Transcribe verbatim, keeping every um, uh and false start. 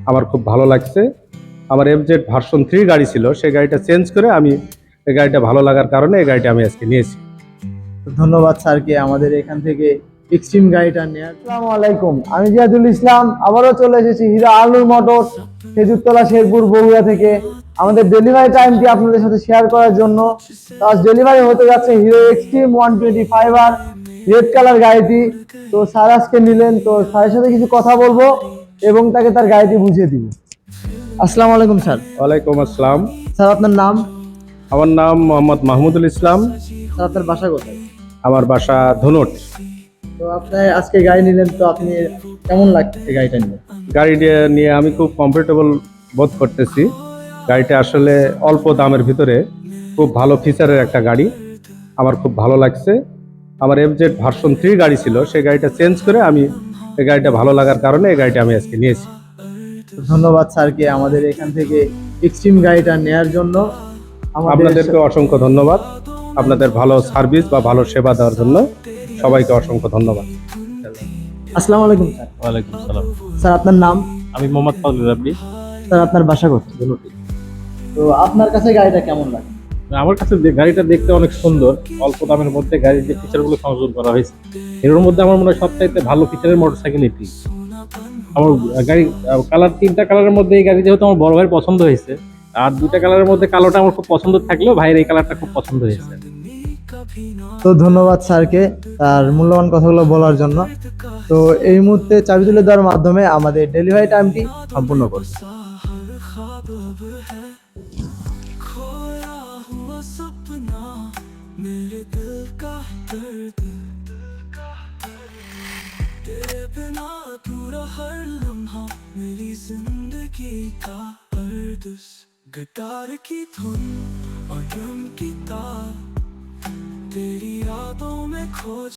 আমার খুব ভালো লাগছে। আমার এফজেড ভার্সন থ্রি গাড়ি ছিল, সেই গাড়িটা চেঞ্জ করে আমি এই গাড়িটা ভালো লাগার কারণে এই গাড়িটা আমি আজকে নিয়েছি। ধন্যবাদ স্যারকে আমাদের এখান থেকে এক্সট্রিম গাড়িটা নেওয়ার। আসসালামু আলাইকুম, আমি জিয়াদুল ইসলাম, আবারও চলে এসেছি হিরো আলুর মোটরস, খেজুরতলা, শেরপুর, বগুড়া থেকে আমাদের ডেলিভারি টাইমটি আপনাদের সাথে শেয়ার করার জন্য। তো আজ ডেলিভারি হতে যাচ্ছে Hero Xtreme one twenty five আর রেড কালার গাড়িটি। তো স্যার আজকে নিলেন, তো স্যারের সাথে কিছু কথা বলবো এবং তাকে তার গাড়িটি বুঝিয়ে দিব। আসসালামু আলাইকুম স্যার। ওয়ালাইকুম আসসালাম। স্যার আপনার নাম? আমার নাম মোহাম্মদ মাহমুদুল ইসলাম। স্যার আপনার বাসা কোথায়? আমার বাসা ধনুট। তো আপনি আজকে গাড়ি নিলেন, তো আপনি কেমন লাগছে গাড়িটা নিয়ে? গাড়িটা নিয়ে আমি খুব কমফোর্টেবল বোধ করতেছি। গাড়িটা আসলে অল্প দামের ভিতরে খুব ভালো ফিচারের একটা গাড়ি, আমার খুব ভালো লাগছে। আমার এফজেড ভার্সন থ্রি গাড়ি ছিল, সেই গাড়িটা চেঞ্জ করে আমি এই গাড়িটা ভালো লাগার কারণে এই গাড়িটা আমি আজকে নিয়েছি। ধন্যবাদ স্যারকে আমাদের এখান থেকে এক্সট্রিম গাড়িটা নেয়ার জন্য। আমাদের আপনাদেরকে অসংখ্য ধন্যবাদ, আপনাদের ভালো সার্ভিস বা ভালো সেবা দেওয়ার জন্য সবাইকে অসংখ্য ধন্যবাদ। আসসালামু আলাইকুম স্যার। ওয়ালাইকুম সালাম। স্যার আপনার নাম? আমি মোহাম্মদ ফাজলুর রাব্বি। স্যার আপনার বাসা কোথায়? ধনুটি। তো আপনার কাছে গাড়িটা কেমন লাগে? আমার কাছে যে গাড়িটা দেখতে অনেক সুন্দর, অল্প দামের মধ্যে গাড়ির যে ফিচারগুলো সংযোজন করা হয়েছে, এর মধ্যে আমার মনে হয় সবচাইতে ভালো ফিচারের মোটরসাইকেল এটি। আমার গাড়ি কালার, তিনটা কালারের মধ্যে এই গাড়ি যেহেতু আমার বড় ভাইয়ের পছন্দ হয়েছে, আর দুটা কালারের মধ্যে কালোটা আমার খুব পছন্দ থাকলেও ভাইয়ের এই কালারটা খুব পছন্দ হয়েছে। তো ধন্যবাদ স্যারকে তার মূল্যবান কথাগুলো বলার জন্য। তো এই মুহূর্তে চাবি তুলে দেওয়ার মাধ্যমে আমাদের ডেলিভারি টাইমটি সম্পূর্ণ করব। मेरे दिल का दर्द, तेरे बिना अधूरा हर लम्हा मेरी जिंदगी का अर्दस। गिटार की धुन और ड्रम की तार तेरी यादों में खो